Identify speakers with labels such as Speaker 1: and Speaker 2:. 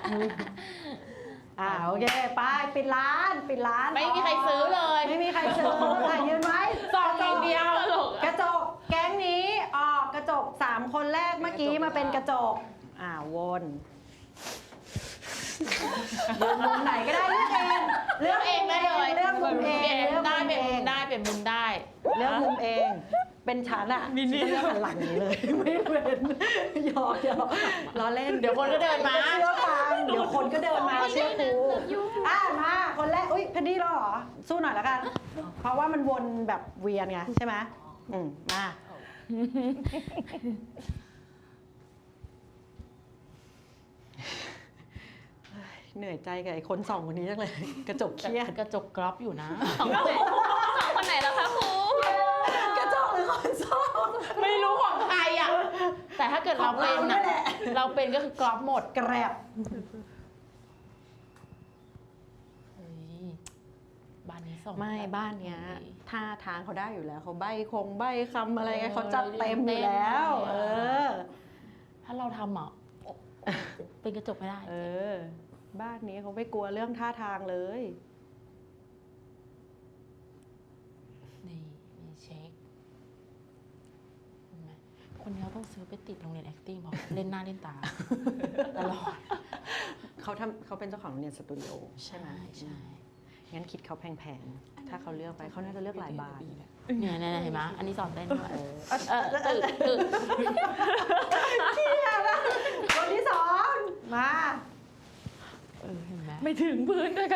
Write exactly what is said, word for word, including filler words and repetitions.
Speaker 1: อ่าโอเคไปปิดร้านปิดร้าน
Speaker 2: ไม่มีใครซื้อเลย
Speaker 1: ไม่มีใครซื้อค่ะยืนไว้
Speaker 2: สองอย่างเดียว
Speaker 1: กระจกแก๊งนี้ออกกระจกสามคนแรกเมื่อกี้มาเป็นกระจกอ่าวนยืนมุมไหนก็ได้เลือกเอง
Speaker 2: เลือกเองได้เลย
Speaker 1: เลือกมุมเอง
Speaker 2: เปลี่ยน
Speaker 1: เลือก
Speaker 2: ได้
Speaker 1: มุม
Speaker 2: เป็น
Speaker 1: เอ
Speaker 2: มุ
Speaker 1: ง
Speaker 2: มได้เป็นมุมได้
Speaker 1: เลือกมุมเอง เป็นฉันอะ
Speaker 2: มินิ
Speaker 1: ฉันเลือกหันหลังนี้เลย ไม่เป็นหยอกหยอกล้อเล่น
Speaker 2: เดี๋ยวคนก็เดินมา
Speaker 1: เชื่อฟังเดี๋ยวคนก็เดินมาเชื่อครูอ่ะมาคนแรกอุ้ยแพนดี้แล้วเหรอสู้หน่อยแล้วกัน เพราะว่ามันวนแบบเวียนไงใช่ไหมอืมมาเหนื่อยใจกับไอ้คนสองคนนี้จังเลย กระจกเครียด
Speaker 2: กระจกกรอบอยู่นะ
Speaker 3: สองคนไหนแล้วคะครู
Speaker 1: กระจกหรือคนสอง
Speaker 2: ไม่รู้ของใครอ่ะ แต่ถ้าเกิดเราเป็น
Speaker 1: ของเราเนี่
Speaker 2: อ่ะ
Speaker 1: ยแหละ
Speaker 2: เราเป็นก็คือกรอบหมด
Speaker 1: แกรบ
Speaker 2: เฮ้ยบ้านนี้ส่ง
Speaker 1: ไม่บ้านเนี้ย
Speaker 2: ดี
Speaker 1: ท่าทางเขาได้อยู่แล้วเขาใบคงใบคำอะไรไงเขาจัดเต็มอยู่แล้ว เออ
Speaker 2: ถ้าเราทำอ่ะโอ้เป็นกระจกไม่ได้
Speaker 1: เออ บ้านนี้เขาไม่กลัวเรื่องท่าทางเลย
Speaker 2: นี่มีเช็คเห็นไหมคนนี้เขาต้องซื้อไปติดโรงเรียน acting บอกเล่นหน้าเล่นตาตลอด
Speaker 1: เขาทำเขาเป็นเจ้าของโรงเรียนสตูดิโอใช่ไหม
Speaker 2: ใช่
Speaker 1: งั้นคิดเขาแพงๆ ถ้าเขาเลือกไปเขาน่าจะเลือกหลายบาท
Speaker 2: เนี่ยเนี่ยเห็นไหมอันนี้สอนเต้นด้วย
Speaker 1: เออ
Speaker 2: เออตึกตึก
Speaker 1: คนที่สองมา
Speaker 2: เออเห็นไหมไม่ถึงพื้นด้วย